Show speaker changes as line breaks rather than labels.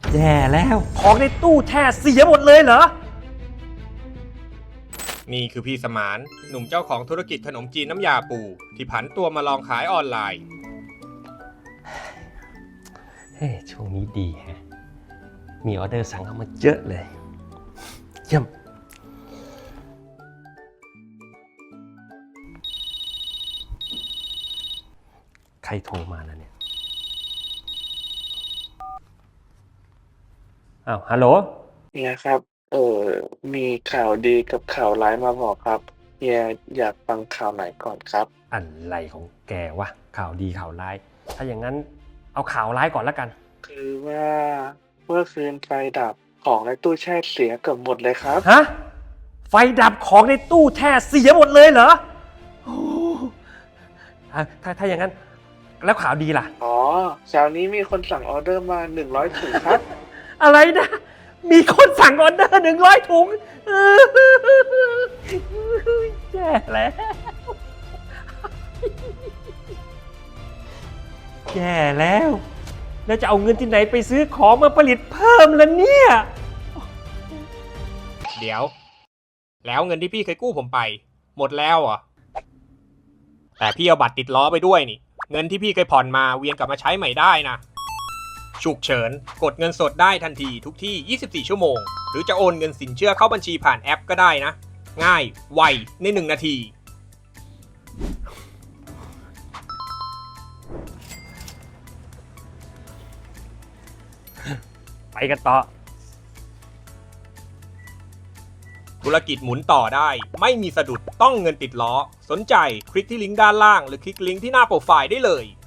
แย่แล้วของในตู้แช่เสียหมดเลยเหรอ
นี่คือพี่สมานหนุ่มเจ้าของธุรกิจขนมจีนน้ำยาปูที่ผันตัวมาลองขายออนไลน์
เฮ้ยช่วงนี้ดีฮะมีออเดอร์สั่งเข้ามาเยอะเลยเยี่ยมใครโทรมาแล้วเนี่ยอ้าวฮัลโหล
เฮียครับ มีข่าวดีกับข่าวร้ายมาบอกครับเฮียอยากฟังข่าวไหนก่อนครับ
อะไรของแกวะข่าวดีข่าวร้ายถ้าอย่างนั้นเอาข่าวร้ายก่อนแล้วกัน
คือว่าเมื่อคืนไฟดับของในตู้แช่เสียเกือบหมดเลยครับ
ฮะไฟดับของในตู้แช่เสียหมดเลยเหรอโอ้ถ้าอย่างนั้นแล้วข่าวดีล่ะ
อ๋อเช้านี้มีคนสั่งออเดอร์มา100 ถุงครับ
อะไรนะ มีคนสั่งออเดอร์100 ถุงแย่แล้วแย่แล้วแล้วจะเอาเงินที่ไหนไปซื้อของมาผลิตเพิ่มล่ะเนี่ย
เดี๋ยว แล้วเงินที่พี่เคยกู้ผมไป หมดแล้วเหรอแต่พี่เอาบัตรติดล้อไปด้วยนี่ เงินที่พี่เคยผ่อนมาเวียนกลับมาใช้ใหม่ได้นะฉุกเฉินกดเงินสดได้ทันทีทุกที่ 24 ชั่วโมง หรือจะโอนเงินสินเชื่อเข้าบัญชีผ่านแอปก็ได้นะ ง่าย ไว ใน1 นาที
ไปกันต่อ
ธุรกิจหมุนต่อได้ ไม่มีสะดุดต้องเงินติดล้อ สนใจคลิกที่ลิงก์ด้านล่างหรือคลิกลิงก์ที่หน้าโปรไฟล์ได้เลย